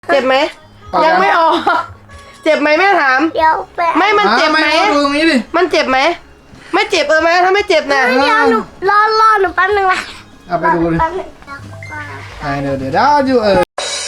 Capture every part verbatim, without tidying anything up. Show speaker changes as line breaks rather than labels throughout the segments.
เจ็บไหมยังไม่ออกเจ็บไหมแม่ถาม
เดี๋ยวไป
ไม่มันเจ็บไหม
ดูตรงนี้ดิ
มันเจ็บไหมไม่เจ็บเออไหมถ้าไม่เจ็บนะ
เดี๋ยวหนูรอรอหนูแป๊บนึงละ
เอาไปดูดิ
แป๊บนึง
ไอเดี๋ยวเดี๋ยวเดี๋ยวอยู่เออ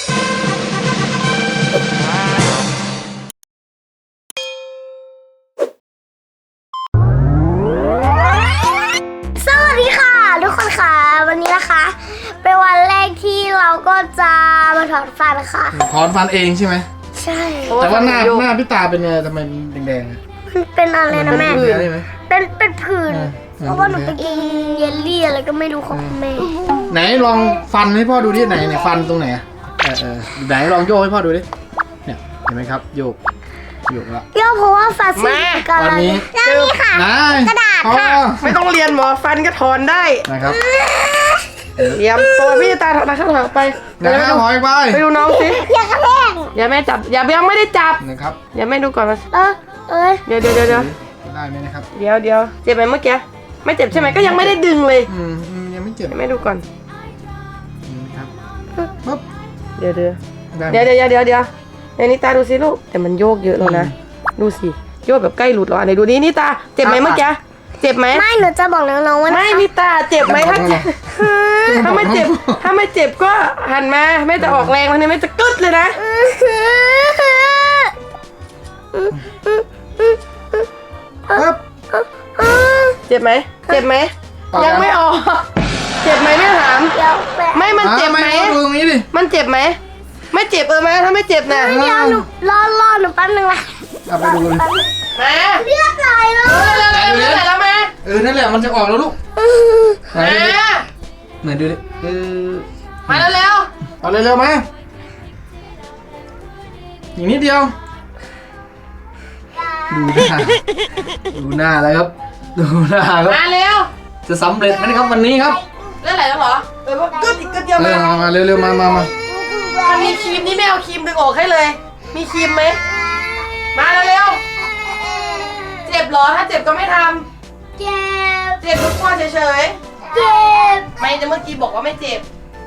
สวัสดีค่ะทุกคนค่ะวันนี้นะคะเป็นวันแรกที่เราก็จะมาถอนฟันค่ะ
ถอนฟันเองใช่ไหม
ใช่
แต่ว่าหน้าหน้าพี่ตาเป็นไงทำไมแดงๆ
มันเป็นอะไรนะแม่เป็นเป็นผื่นเพราะว่าหนูไปกินเยลลี่อะไรก็ไม่รู้ของแม่
ไหนลองฟันให้พ่อดูดิไหนไหนฟันตรงไหนเออเออไหนลองโยกให้พ่อดูดิเนี่ยเห็นไหมครับโยกโยกละ
โยกเพราะว่าฟันสีกัน
ตอนนี้
นี่ค่ะกระดาษค่ะ
ไม่ต้องเรียนหมอฟันก็ถอนได้
นะครับ
เตรียมตัวพี่ตาถอนนะครับถอนไป
อย่าให้ถอยไป
ไปดูน้องสิ
อย่ากระแทก
อย่าแม่จับอย่ายังไม่ได้จับ
นะครับ
อย่าแม่ดูก่อนมา
เออเอ้ย
เดี๋ยวเดี๋ยวเดี๋ยว
ได้ไหมนะครับ
เดี๋ยวเดี๋ยวเจ็บไหมเมื่อกี้ไม่เจ็บใช่ไหมก็ยังไม่ได้ดึงเลย
อืมยังไม่เจ็บ
แม่ดูก่อน
ครับปุ๊บ
เดี๋ยวเดี๋ยวเดี๋ยวเดี๋ยวเดี๋ยวเดี๋ยวในนิตาดูสิลูกแต่มันโยกเยอะแล้วนะดูสิโยกแบบใกล้หลุดแล้วอันไหนดูนี่นิตาเจ็บไหมเมื่อกี้เจ็บไหม
ไม่หนูจะบอกน้องๆว่า
ไม่นิตาเจ็บไหมถ้าเจ็บถ้าไม่เจ็บถ้าไม่เจ็บก็หันมาแม่จะออกแรงวันนี้แม่จะกึดเลยนะเจ็บไหมเจ็บไหมยังไม่ออกเจ็บไหมแม่ถามไม่มันเจ็บไหม
ดูตรงนี้ดิ
มันเจ็บไหมไม่เจ็บเออไหมถ้าไม่เจ็บนะ
เดี๋ยวหนูรอรอหนูแป๊บนึงละ
เอาไปดูเลย
มา
เลือดไหลเลย
เร็วๆเร็วๆแล้วแม่
เออนั่นแหละมันจะออกแล้วลูก
มา
ไหนดูดิเออ
มาเร็ว
ๆเอาเร็วๆมาอีกนิดเดียวดูหน้าดูหน้าแล้วครับดูหน้าครับ
มาเร็ว
จะสำเร็จไหมครับวันนี้ครับ
เรื่องอะไรแล้วเหรอเออว่ากึดอีกกึดเดียวมา
มาเร็วๆมามามา
มันมีครีมนี่ไม่เอาครีมดึงออกให้เลยมีครีมไหมมาเร็วๆเจ็บเหรอถ้าเจ็บก็ไม่ทำ
เจ็บ
เจ็บทุกคนเฉย
ๆเจ็บ
ไม่จะเมื่อกี้บอกว่าไม่เจ็บ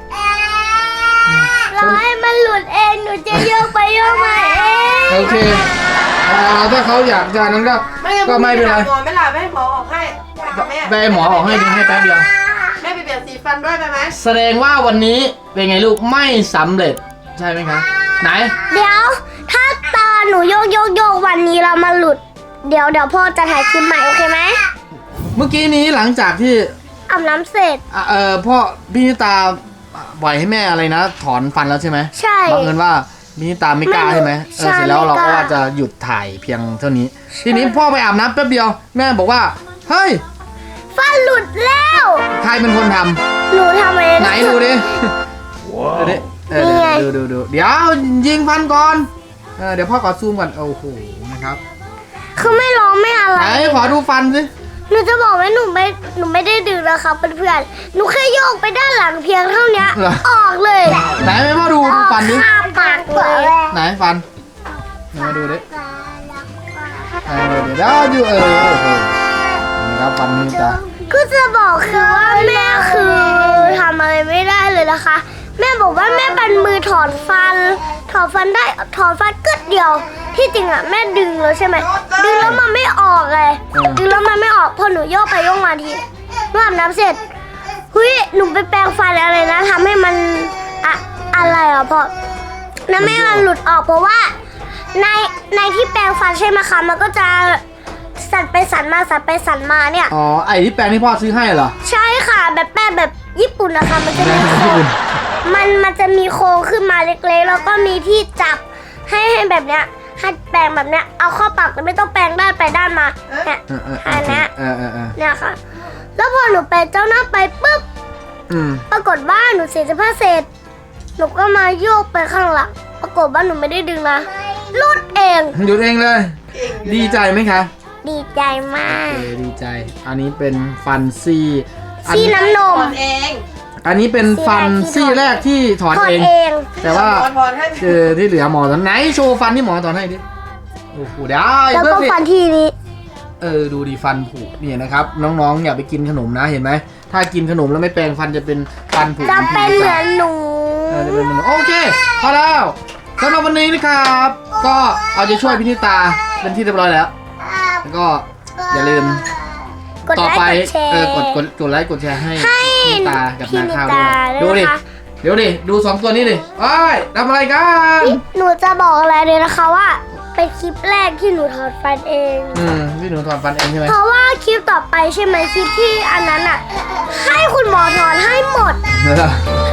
รอให้มันหลุดเองหนูจะโยกไปโยกมาเอง
โอเคถ้าเขาอยากจะนั้นก็ก็ไม่เป็นไร
หมอไม่หลับให้หมอออกให้
ได้หมอออกให้ดีให้แป๊บเดียว
แม่ไปเปลี่ยนสีฟันด้วยไปไหม
แสดงว่าวันนี้เป็นไงลูกไม่สำเร็จใช่ไหมครับไหน
เดี๋ยวถ้าตาหนูโยกโยกโยกวันนี้เรามาหลุดเดี๋ยวเดี๋ยวพ่อจะถ่ายคลิปใหม่โอเคไหม
เมื่อกี้นี้หลังจากที่
อาบน้ำเสร็จ
เออพ่อพี่นิตาปล่อยให้แม่อะไรนะถอนฟันแล้วใช่ไหม
ใช่
บังเอิญว่าพี่นิตาไม่กล้าใช่ไหมเออเสร็จแล้วเราก็ว่าจะหยุดถ่ายเพียงเท่านี้ทีนี้พ่อไปอาบน้ำแป๊บเดียวแม่บอกว่าเฮ้ย
ฟันหลุดแล้ว
ใครเป็นคนทำ
หนูทำเอง
ไหนดูดิดูดิดูดูดูเดี๋ยวยิงฟันก่อนเออเดี๋ยวพ่อขอซูมก่อนโอ้โหนะครับ
คือไม่ร้องไม่อะไร
ไหนขอดูฟันสิ
หนูจะบอกว่าหนูไม่หนูไม่ได้ดึงนะครับเพื่อนๆหนูแค่โยกไปด้านหลังเพียงเท่านี้ออกเลย
ไหนไม่พ่อดูดูฟันดิ
ปากเลย
ไหนฟันมาดูดิเออเดี๋ยวอยู่เออโอ้โหนะครับฟันนี่จ้ะ
ก็จะบอกคือว่าแม่คือทำอะไรไม่ได้เลยนะคะแม่บอกว่าแม่เป็นมือถอนฟันถอนฟันได้ถอนฟันกึดเดียวที่จริงอ่ะแม่ดึงแล้วใช่ไหมดึงแล้วมันไม่ออกเลยดึงแล้วมันไม่ออกพอหนูโยกไปโยกมาทีเมื่ออาบน้ำเสร็จเฮ้ยหนูไปแปรงฟันอะไรนะทำให้มันอะอะไรอ่ะพ่อนั่นไม่มันหลุดออกเพราะว่าในในที่แปรงฟันใช่ไหมคะมันก็จะสั่นไปสั่นมาสั่นไปสั่นมาเนี่ย
อ๋อไอ้ที่แปรงที่พ่อซื้อให้เหรอ
ใช่ค่ะแบบแป้งแบบญี่ปุ่นนะคะมันจะมีโค้งมันมันจะมีโค้งขึ้นมาเล็กๆแล้วก็มีที่จับให้ให้แบบเนี้ยให้แปรงแบบเนี้ยเอาเข้าปากแต่ไม่ต้องแปรงด้านไปด้านมาเนี่ยอันเนี้ยเนี่ยค่ะแล้วพอหนูแปรงเจ้าหน้าไปปุ๊บปรากฏว่าหนูเสียสภาพเสร็จหนูก็มาโยกไปข้างหลังปรากฏว่าหนูไม่ได้ดึงนะลุดเอง
หยุดเองเลยดีใจไหมคะ
ดีใจมาก
ดีใจอันนี้เป็นฟันซี่
ซี่น้ำนม
เอง
อันนี้เป็นฟันซี่แรกที่ถอนเองแต่ว่าเออที่เหลือหมอตอนไหนโชว์ฟันที่หมอถอนให้ดิโอ้โหได้
แล้วก็ฟันที่นี้
เออดูดิฟันผุเนี่ยนะครับน้องๆอย่าไปกินขนมนะเห็นไหมถ้ากินขนมแล้วไม่แปรงฟันจะเป็นฟันผุ
จะเป็นเหมือนหนู
เออจะเป็นเหมือนโอเคพอแล้วสำหรับวันนี้นะครับ ก็เอาใจช่วยพี่นิตาเป็นที่เรียบร้อยแล้วแล้วก็อย่าลืม
กด
ต่อ
ไล
ไป
ค์กดแชร์
เออกดกดกดไลค์กดแชร์ให้
ให้
พี่นิตากับ
พี่
นา
นิ
ข้าว
ตา
ด้วย
ด้วย
ดูดิ
นะคะ
เดี๋ยวดิดูสองตัวนี้ดิโอ้ยทำอะไรกัน
หนูจะบอกอะไรเลยนะคะว่าเป็นคลิปแรกที่หนูถอดฟันเอง
อืมพี่หนูถอนฟันเองใช่ไหม
เพราะว่าคลิปต่อไปใช่ไหมคลิปที่อันนั้นอ่ะ ให้คุณหมอถอนให้หมด
เออ